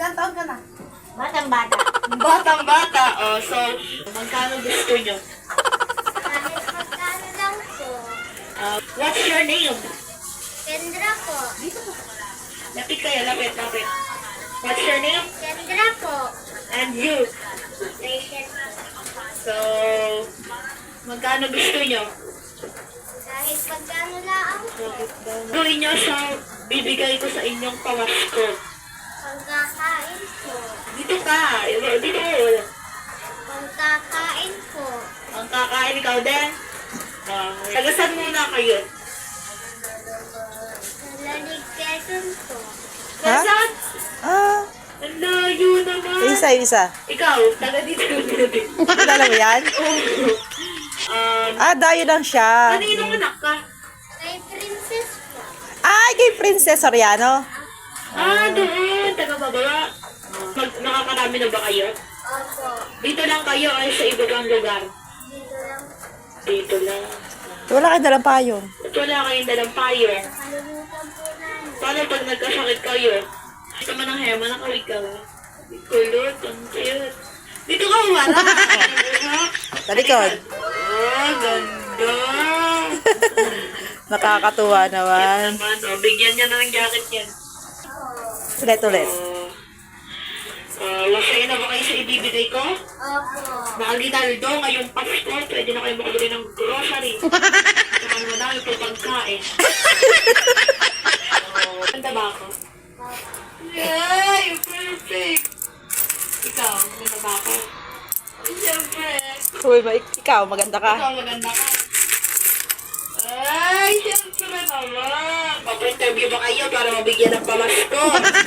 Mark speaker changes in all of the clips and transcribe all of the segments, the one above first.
Speaker 1: Ilang taon ka na?
Speaker 2: Batang-bata.
Speaker 1: Batang-bata. Oh, so, magkano gusto nyo?
Speaker 2: Kahit magkano lang po.
Speaker 1: What's your name?
Speaker 2: Kendra po.
Speaker 1: Lapit kayo, lapit. What's your name?
Speaker 2: Kendra po.
Speaker 1: And you?
Speaker 2: Rachel po.
Speaker 1: So, magkano gusto nyo?
Speaker 2: Kahit magkano lang po.
Speaker 1: Gawin nyo sa bibigay ko sa inyong pamasko.
Speaker 2: Pagkakain po.
Speaker 1: Dito ka. Dito.
Speaker 2: Pagkakain po.
Speaker 1: Ang kakain ikaw din. Tagasan muna kayo.
Speaker 2: Nalalig Quezon po.
Speaker 3: Ha?
Speaker 1: Saan?
Speaker 3: Ah,
Speaker 1: Ang layo naman.
Speaker 3: isa.
Speaker 1: Ikaw, taga dito.
Speaker 3: Kilala mo yan? Dayo lang siya.
Speaker 1: Kaninong anak ka?
Speaker 2: Kay Princess po.
Speaker 3: Ay, kay Princess Soriano.
Speaker 1: Doon. Taga-bababa. Nakakarami na ba kayo?
Speaker 2: Opo.
Speaker 1: Dito lang kayo ay sa ibang lugar?
Speaker 2: Dito lang.
Speaker 1: Dito lang.
Speaker 3: Wala kayo dalang payong.
Speaker 1: At wala kayong dalang payo.
Speaker 2: Nakalimutan po namin.
Speaker 1: Paano pag nagkasakit kayo? Ito man ang hema, nakawig ka ba? Kulot, ang cute. Dito ka umara.
Speaker 3: Sa likod.
Speaker 1: Ganda.
Speaker 3: Nakakatuwa naman.
Speaker 1: Naman, bigyan niya na ng jacket yan.
Speaker 3: Ulit.
Speaker 1: Masaya na ba kayo sa ibibigay ko?
Speaker 2: Opo.
Speaker 1: Nakaginaldo ngayong Pasko, pwede na kayo makabili ng grocery. Saka naman dami po pagkain. Ganda ba ako? Yay! Perfect! Ikaw, ganda ba ako? Siyempre.
Speaker 3: Uy, ikaw, maganda ka.
Speaker 1: Ikaw, maganda ka. Ay, siyempre naman. Mag-interview ba kayo para mabigyan ng pamasko?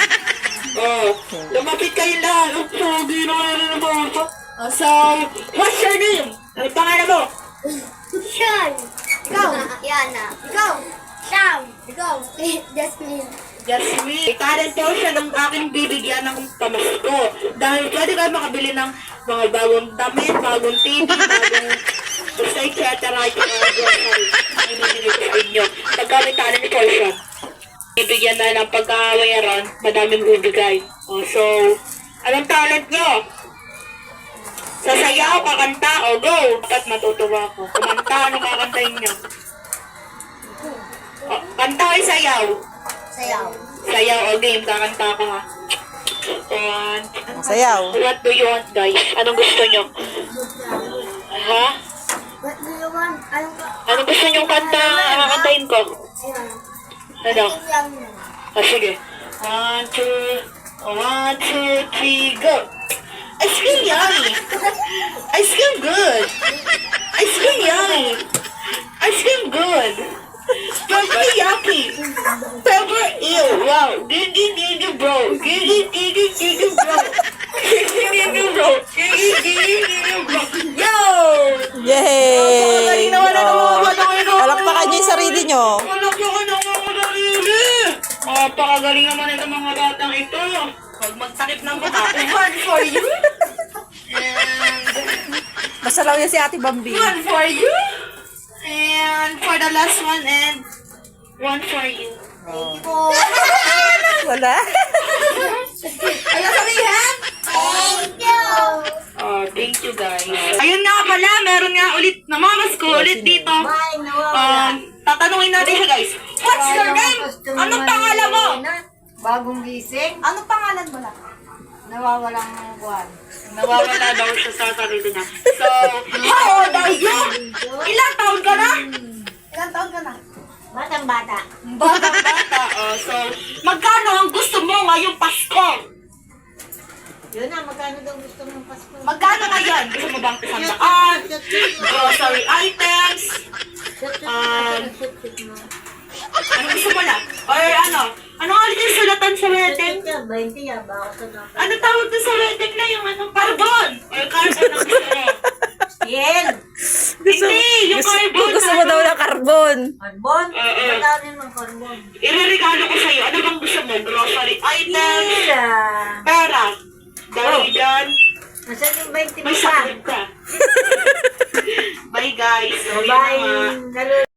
Speaker 1: Lumapit kayo lahat. Ang pogi na kayo na naman ako. So, what's your name? Ano pangalan mo?
Speaker 2: Sean.
Speaker 1: Ikaw.
Speaker 2: Yana. Ikaw. Sam. Ikaw. Jasmine.
Speaker 1: Jasmine. Talent daw siya ng aking bibigyan ng pamasko. Dahil pwede kayo makabili ng mga bagong damit, bagong TV, bagong basta etc. Ito mga grocery. Ibibigay ko sa inyo. Pagkamit talent ni Portia. Bibigyan na ng pagkakawayaran, madaming bibigay. So, anong talent nyo? Sasayaw, kakanta, go! Dapat matutuwa ako. Kumanta, ano kakantayin nyo? Kanta ay sayaw.
Speaker 2: Sayaw.
Speaker 1: Sayaw, game, kakanta ka ha.
Speaker 3: Sayaw.
Speaker 1: What do you want, guys? Anong gusto nyo? Ha?
Speaker 2: What do you want?
Speaker 1: Anong gusto nyo kanta, kakantayin ko? Ano? Sige. 1, 2, 3, go! Ice cream yummy! Ice cream good! Ice cream yummy! Ice cream good! Pepper yucky! Pepper ew! Wow! Gigi bro! Gigi bro! Gigi bro! Gigi bro! Yo!
Speaker 3: Yay! Palakpakan niyo yung sarili niyo.
Speaker 1: Palakpakan ng mga sarili! Napakagaling naman itong mga batang ito. Huwag magtakip ng mata. One for you.
Speaker 3: Basta lang yan si Ate Bambi.
Speaker 1: One for you. And for the last one and one for you.
Speaker 3: Wala.
Speaker 1: Ayaw sabihin?
Speaker 2: Thank you.
Speaker 1: Thank you guys. Ayun nga pala, meron nga ulit, namamasko ulit dito. Tatanungin natin siya guys. What's your name? Anong pangalan mo?
Speaker 4: Bagong gising,
Speaker 1: Anong pangalan mo lang?
Speaker 4: nawawalang buwan.
Speaker 1: Nawawala daw siya sa sarili niya. So, how old are you? Ilang taon ka na? Ilang taon ka na?
Speaker 2: Batang-bata.
Speaker 1: Bata-bata. So, magkano ang gusto mo ngayong Pasko?
Speaker 4: Yun na, magkano daw gusto mong Pasko?
Speaker 1: Magkano ngayon? Gusto mo bang isang daan? Grocery items? Ano gusto mo lang? Or ano? Ano nga ulit yung sulatan sa wedding?
Speaker 4: 20 yan, baka sa naka.
Speaker 1: Ano tawag doon sa wedding na yung ano? Carbon! Or carbon ang gusto mo?
Speaker 4: Yen!
Speaker 1: Hindi! Yung carbon!
Speaker 3: Gusto mo daw ng carbon.
Speaker 4: Carbon?
Speaker 1: Oo.
Speaker 4: Magkano ng carbon?
Speaker 1: Ireregalo ko sa'yo. Ano bang gusto mo? Grocery items?
Speaker 4: Pira!
Speaker 1: Pera? Dahil dyan,
Speaker 4: Nasaan yung 20 mo
Speaker 1: may
Speaker 4: pa?
Speaker 1: sakit ka. Bye guys. Sorry
Speaker 4: Bye!
Speaker 1: naman.
Speaker 4: Lalo